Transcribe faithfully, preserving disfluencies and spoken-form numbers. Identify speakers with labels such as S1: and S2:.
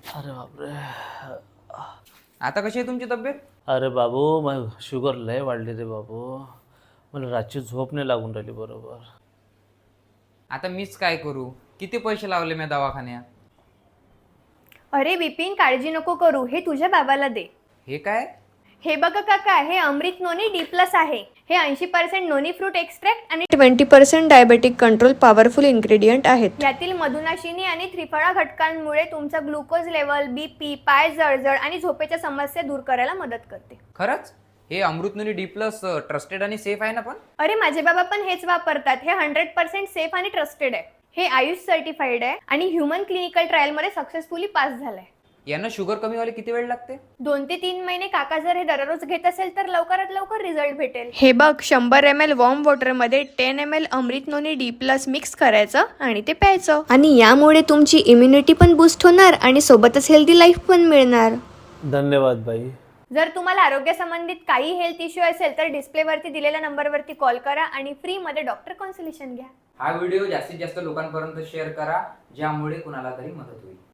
S1: अरे बापरे.
S2: आता कशी आहे तुमची तब्येत?
S1: अरे बाबू, मग शुगर लय वाढली रे बाबू. मला रातची झोप नाही लागून राहिली बरोबर.
S2: आता मीच काय करू? किती पैसे लावले मी दवाखान्यात?
S3: अरे विपिन, काळजी नको करू, हे तुझ्या बाबाला दे.
S2: हे काय?
S3: हे बघा काका, हे अमृत नोनी डी प्लस आहे. हे ऐंशी पर्सेंट नोनी फ्रूट एक्स्ट्रॅक्ट आणि twenty percent diabetic control powerful ingredient आहेत. यातील मधुनाशिनी आणि त्रिफळा घटकांमुळे तुमचा ग्लुकोज लेवल, बीपी, पाय जळजळ आणि झोपेच्या समस्या दूर करायला मदत करते.
S2: खरंच? हे अमृतनोनी डी प्लस ट्रस्टेड आणि सेफ आहे ना पण?
S3: अरे माझे बाबा पण हेच वापरतात. हे हंड्रेड पर्सेंट सेफ आणि ट्रस्टेड आहे. हे आयुष सर्टिफाईड आहे आणि ह्युमन क्लिनिकल ट्रायल मध्ये सक्सेसफुली पास झालंय.
S2: यांना शुगर कमी व्हायला किती वेळ लागते?
S3: दोन ते तीन महिने. काका जर हे दररोज घेत असेल तर लवकरात लवकर रिझल्ट भेटेल. हे बघ, शंभर एम एल वॉर्म वॉटर मध्ये ten M L Amrit noni D plus mix करायचं आणि ते प्यायचं. आणि यामुळे तुमची इम्युनिटी पण बूस्ट होणार आणि सोबतच हेल्दी लाईफ पण मिळणार.
S1: धन्यवाद बाई.
S3: जर तुम्हाला आरोग्यासंबंधित काही हेल्थ इश्यू असेल तर डिस्प्लेवरती दिलेल्या नंबरवरती कॉल करा आणि फ्री मध्ये डॉक्टर कन्सल्टेशन घ्या.
S2: हा व्हिडिओ जास्तीत जास्त लोकांपर्यंत शेअर करा, ज्यामुळे कुणाला तरी मदत होईल.